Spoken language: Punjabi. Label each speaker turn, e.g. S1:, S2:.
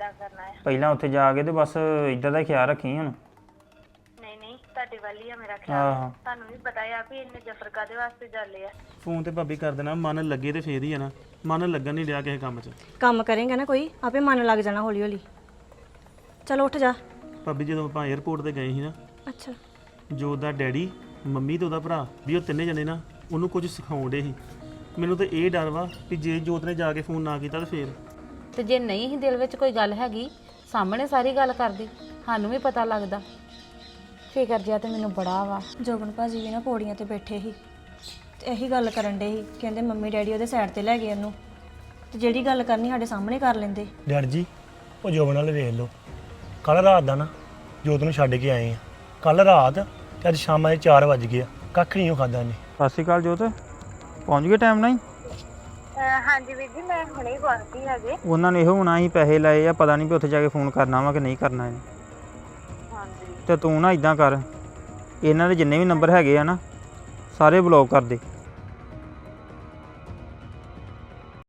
S1: ਕਿੱਦਾਂ ਕਰਨਾ ਹੈ।
S2: ਪਹਿਲਾਂ ਉੱਥੇ ਜਾ ਕੇ ਤੇ ਬਸ ਇੱਧਰ ਦਾ ਖਿਆਲ ਰੱਖੀ ਹੁਣ।
S1: ਨਹੀਂ ਨਹੀਂ ਤੁਹਾਡੇ ਵੱਲ ਹੀ ਆ ਮੇਰਾ ਖਿਆਲ।
S2: ਆਹੋ
S1: ਤੁਹਾਨੂੰ ਵੀ ਪਤਾ ਆ ਵੀ ਇੰਨੇ ਜਫਰ ਕਾਦੇ ਵਾਸਤੇ ਚੱਲੇ ਆ।
S3: ਫੋਨ ਤੇ ਭਾਬੀ ਕਰ ਦੇਣਾ, ਮਨ ਲੱਗੇ ਤੇ ਫੇਰ ਹੀ ਆ ਨਾ, ਮਨ ਲੱਗਣ ਨਹੀਂ ਰਿਹਾ ਕਿਸੇ ਕੰਮ 'ਚ।
S4: ਕੰਮ ਕਰੇਂਗਾ ਨਾ ਕੋਈ ਆਪੇ ਮਨ ਲੱਗ ਜਾਣਾ ਹੌਲੀ ਹੌਲੀ। ਚਲੋ ਉੱਠ ਜਾ।
S3: ਭਾਬੀ ਜਦੋਂ ਆਪਾਂ 에ਅਰਪੋਰਟ ਤੇ ਗਏ ਸੀ ਨਾ,
S4: ਅੱਛਾ
S3: ਜੋ ਉਹਦਾ ਡੈਡੀ, ਮੰਮੀ ਤੇ ਉਹਦਾ ਭਰਾ ਵੀ ਉਹ ਤਿੰਨੇ ਜਣੇ ਨਾ ਉਹਨੂੰ ਕੁਝ ਸਿਖਾਉਂਦੇ ਸੀ। ਮੈਨੂੰ ਤਾਂ ਇਹ ਡਰ ਵਾ ਕਿ ਜੇ ਜੋਤ ਨੇ ਜਾ ਕੇ ਫੋਨ ਨਾ ਕੀਤਾ ਤਾਂ ਫੇਰ।
S5: ਤੇ ਜੇ ਨਹੀਂ ਹੀ ਦਿਲ ਵਿੱਚ ਕੋਈ ਗੱਲ ਹੈਗੀ ਸਾਹਮਣੇ ਸਾਰੀ ਗੱਲ ਕਰਦੀ, ਸਾਨੂੰ ਵੀ ਪਤਾ ਲੱਗਦਾ। ਫਿਕਰ ਜਿਹਾ ਤੇ ਮੈਨੂੰ ਬੜਾ ਵਾ।
S4: ਜੋਬਨ ਭਾਜੀ ਵੀ ਨਾ ਪੌੜੀਆਂ ਤੇ ਬੈਠੇ ਸੀ ਤੇ ਇਹੀ ਗੱਲ ਕਰਨ ਡੇ ਸੀ, ਕਹਿੰਦੇ ਮੰਮੀ ਡੈਡੀ ਉਹਦੇ ਸਾਈਡ ਤੇ ਲੈ ਗਏ ਉਹਨੂੰ, ਤੇ ਜਿਹੜੀ ਗੱਲ ਕਰਨੀ ਸਾਡੇ ਸਾਹਮਣੇ ਕਰ ਲੈਂਦੇ।
S6: ਡੈਡ ਜੀ ਉਹ ਜੋਬਨ ਨਾਲ ਵੇਖ ਲਓ, ਕੱਲ ਰਾਤ ਦਾ ਨਾ ਜੋਤ ਨੂੰ ਛੱਡ ਕੇ ਆਏ ਆ, ਕੱਲ ਰਾਤ ਤੇ ਅੱਜ ਸ਼ਾਮਾਂ ਦੇ 4 ਵਜ ਗਏ ਆ, ਕੱਖ ਨਹੀਂ ਉਹ ਖਾਦਾ ਇਹਨੇ।
S2: ਸਤਿ ਸ਼੍ਰੀ ਅਕਾਲ ਜੋਤ, ਪਹੁੰਚ ਗਏ ਟਾਈਮ ਨਾਲ ਹੀ?
S1: ਹਾਂਜੀ ਵੀਰ ਜੀ ਮੈਂ ਹੁਣੇ ਹੀ ਪਹੁੰਚੀ ਹੈਗੇ।
S2: ਉਹਨਾਂ ਨੇ ਇਹੋ ਹੋਣਾ ਅਸੀਂ ਪੈਸੇ ਲਏ ਆ, ਪਤਾ ਨਹੀਂ ਵੀ ਉੱਥੇ ਜਾ ਕੇ ਫੋਨ ਕਰਨਾ ਵਾ ਕਿ ਨਹੀਂ ਕਰਨਾ ਇਹਨੇ।
S1: ਹਾਂਜੀ
S2: ਤੇ ਤੂੰ ਨਾ ਇਦਾਂ ਕਰ, ਇਹਨਾਂ ਦੇ ਜਿੰਨੇ ਵੀ ਨੰਬਰ ਹੈਗੇ ਆ ਨਾ ਸਾਰੇ ਬਲੌਕ ਕਰ ਦੇ।